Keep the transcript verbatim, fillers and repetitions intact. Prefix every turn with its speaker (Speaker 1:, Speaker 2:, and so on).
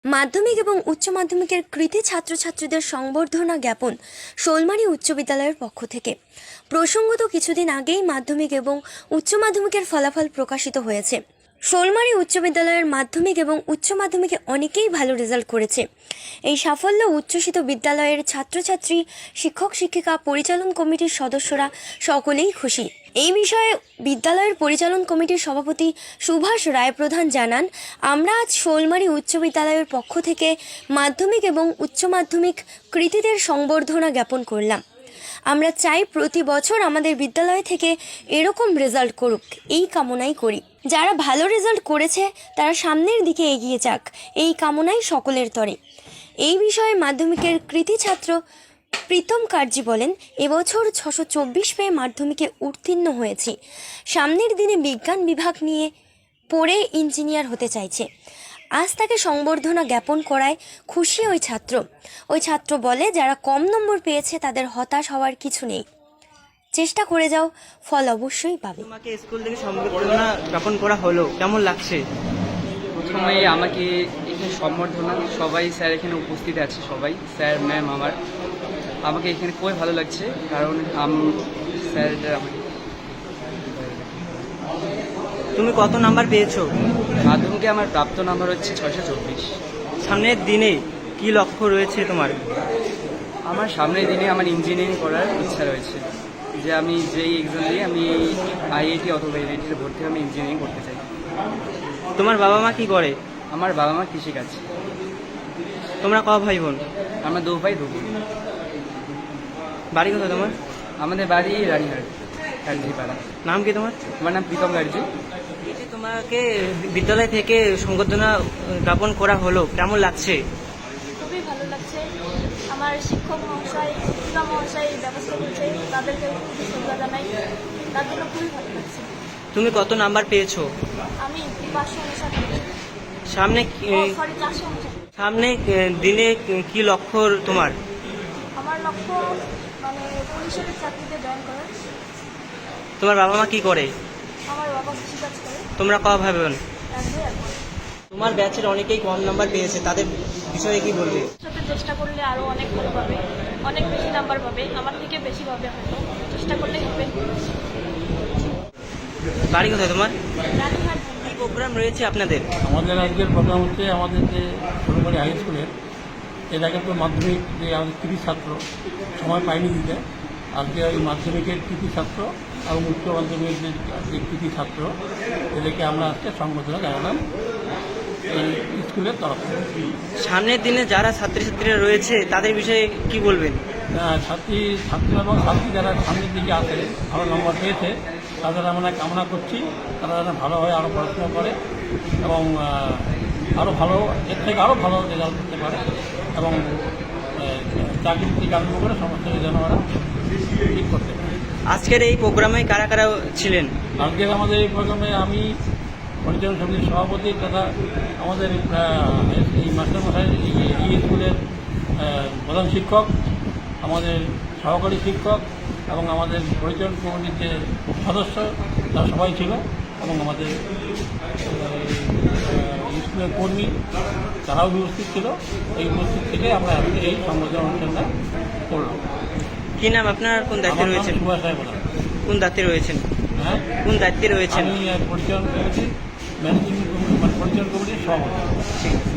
Speaker 1: মাধ্যমিক এবং উচ্চ মাধ্যমিকের কৃতী ছাত্রছাত্রীদের সংবর্ধনা জ্ঞাপন শোলমারী উচ্চ বিদ্যালয়ের পক্ষ থেকে। প্রসঙ্গত কিছুদিন আগেই মাধ্যমিক এবং উচ্চ মাধ্যমিকের ফলাফল প্রকাশিত হয়েছে। শোলমারী উচ্চ বিদ্যালয়ের মাধ্যমিক এবং উচ্চ মাধ্যমিকে অনেকেই ভালো রেজাল্ট করেছে। এই সাফল্য উচ্ছ্বসিত বিদ্যালয়ের ছাত্রছাত্রী, শিক্ষক শিক্ষিকা, পরিচালন কমিটির সদস্যরা সকলেই খুশি। এই বিষয়ে বিদ্যালয়ের পরিচালন কমিটির সভাপতি সুভাষ রায়প্রধান জানান, আমরা আজ শোলমারী উচ্চ বিদ্যালয়ের পক্ষ থেকে মাধ্যমিক এবং উচ্চ মাধ্যমিক কৃতীদের সংবর্ধনা জ্ঞাপন করলাম। আমরা চাই প্রতি বছর আমাদের বিদ্যালয় থেকে এরকম রেজাল্ট করুক, এই কামনাই করি। যারা ভালো রেজাল্ট করেছে তারা সামনের দিকে এগিয়ে যাক, এই কামনাই সকলের তরে। এই বিষয়ে মাধ্যমিকের কৃতী ছাত্র প্রীতম কার্জি বলেন, এবছর ছশো চব্বিশ পেয়ে মাধ্যমিকে উত্তীর্ণ হয়েছি। সামনের দিনে বিজ্ঞান বিভাগ নিয়ে পড়ে ইঞ্জিনিয়ার হতে চাইছে। আজ তাকে সংবর্ধনা জ্ঞাপন করায় খুশি ওই ছাত্র। ওই ছাত্র বলে, যারা কম নম্বর পেয়েছে তাদের হতাশ হওয়ার কিছু নেই, চেষ্টা করে যাও, ফল অবশ্যই পাবে।
Speaker 2: তোমাকে স্কুল থেকে সংবর্ধনা জ্ঞাপন করা হলো, কেমন লাগছে?
Speaker 3: প্রথমে আমাকে এখানে সম্বর্ধনা, সবাই স্যার এখানে উপস্থিত আছে, সবাই স্যার ম্যাম, আমার আমাকে এখানে খুবই ভালো লাগছে, কারণ স্যার আমাকে।
Speaker 2: তুমি কত নাম্বার পেয়েছো?
Speaker 3: মাধ্যমিকে আমার প্রাপ্ত নাম্বার হচ্ছে ছয়শো চব্বিশ।
Speaker 2: সামনের দিনে কি লক্ষ্য রয়েছে তোমার?
Speaker 3: আমার সামনের দিনে আমার ইঞ্জিনিয়ারিং করার ইচ্ছা রয়েছে, যে আমি যেই এক্সাম দিয়ে আমি আইআইটি অথবা আইআইটিতে ভর্তি হয়ে আমি ইঞ্জিনিয়ারিং করতে চাই।
Speaker 2: তোমার বাবা মা কি করে?
Speaker 3: আমার বাবা মা কৃষিকাজ।
Speaker 2: তোমরা ক ভাই বোন?
Speaker 3: আমরা দু ভাই দু বোন।
Speaker 2: বাড়ি কোথায় তোমার?
Speaker 3: আমাদের বাড়ি রানীহাট, গার্জিপাড়া।
Speaker 2: নাম কি তোমার?
Speaker 3: আমার নাম প্রীতম গার্জি।
Speaker 2: তোমাকে বিদ্যালয় থেকে সংবর্ধনা জ্ঞাপন করা হলো, কেমন লাগছে?
Speaker 4: খুবই ভালো লাগছে। আমার শিক্ষক মহাশয়, শিক্ষিকা মহাশয় এই ব্যবস্থা করছে, তাদেরকে খুবই শ্রদ্ধা জানাই, তার জন্য খুবই ভালো লাগছে।
Speaker 2: তুমি কত নাম্বার পেয়েছো?
Speaker 4: আমি পাঁচশো অনুসার
Speaker 2: সামনে
Speaker 4: সরি চারশো অনুসার
Speaker 2: সামনে দিনে কি লক্ষ্য তোমার?
Speaker 4: আমার লক্ষ্য মানে পরিষদের চাকরিতে জয়েন করার।
Speaker 2: তোমার বাবা মা কি করে?
Speaker 4: আমার বাবা কৃষিকাজ করে।
Speaker 2: তোমরা ক ভাই বোন?
Speaker 4: এক দুই এক।
Speaker 2: তোমার ব্যাচের অনেকেই কম নাম্বার পেয়েছে, তাদের বিষয়ে কি বলবে?
Speaker 4: সাথে চেষ্টা করলে আরও অনেক ভালো পাবে, অনেক বেশি নাম্বার পাবে, আমার থেকে বেশি পাবে হয়তো, চেষ্টা করলেই হবে।
Speaker 2: বাড়ি কোথায় তোমার?
Speaker 4: রানীহাট।
Speaker 2: কি প্রোগ্রাম রয়েছে আপনাদের?
Speaker 5: আমাদের আজকের প্রোগ্রাম হচ্ছে আমাদের যে শোলমারী হাই স্কুলের এর আগে তো মাধ্যমিক যে আমাদের কৃতি ছাত্র সময় পাইনি দিতে, আজকে ওই মাধ্যমিকের কৃতি ছাত্র এবং উচ্চ মাধ্যমিকের যে যে কৃতি ছাত্র এদেরকে আমরা আজকে সংবর্ধনা জানালাম এই স্কুলের তরফ থেকে।
Speaker 2: সামনের দিনে যারা ছাত্রছাত্রীরা রয়েছে তাদের বিষয়ে কি বলবেন?
Speaker 5: আহ, ছাত্রী ছাত্র এবং ছাত্রী যারা সামনের দিকে আছে, ভালো নম্বর পেয়েছে, তাদের আমরা কামনা করছি তারা যেন ভালোভাবে আরও পড়াশোনা করে এবং আরও ভালো, এর থেকে আরও ভালো রেজাল্ট করতে পারে এবং চাকরি থেকে আরম্ভ করে সমস্ত যেন ওরা ঠিক করতে পারে।
Speaker 2: আজকের এই প্রোগ্রামে কারা কারা ছিলেন?
Speaker 5: আজকের আমাদের এই প্রোগ্রামে আমি পরিচালন সমিতির সভাপতি তথা আমাদের এই মাস্টারমশাই এই স্কুলের প্রধান শিক্ষক, আমাদের সহকারী শিক্ষক এবং আমাদের পরিচালন কমিটির যে সদস্য তারা সবাই ছিল এবং আমাদের স্কুলের কর্মী তারাও উপস্থিত ছিল। এই উপস্থিত থেকে আমরা আজকে এই সংবর্ধনা অনুষ্ঠানটা করলাম।
Speaker 2: কি নাম আপনার? কোন দায়িত্বে রয়েছেন?
Speaker 5: সুভাষ রায় বলা।
Speaker 2: কোন দায়িত্বে রয়েছেন?
Speaker 5: হ্যাঁ,
Speaker 2: কোন দায়িত্বে রয়েছেন?
Speaker 5: আমি পরিচালন কমিটি ম্যানেজিং কমিটি মানে পরিচালন কমিটির সভাপতি।
Speaker 2: ঠিক আছে।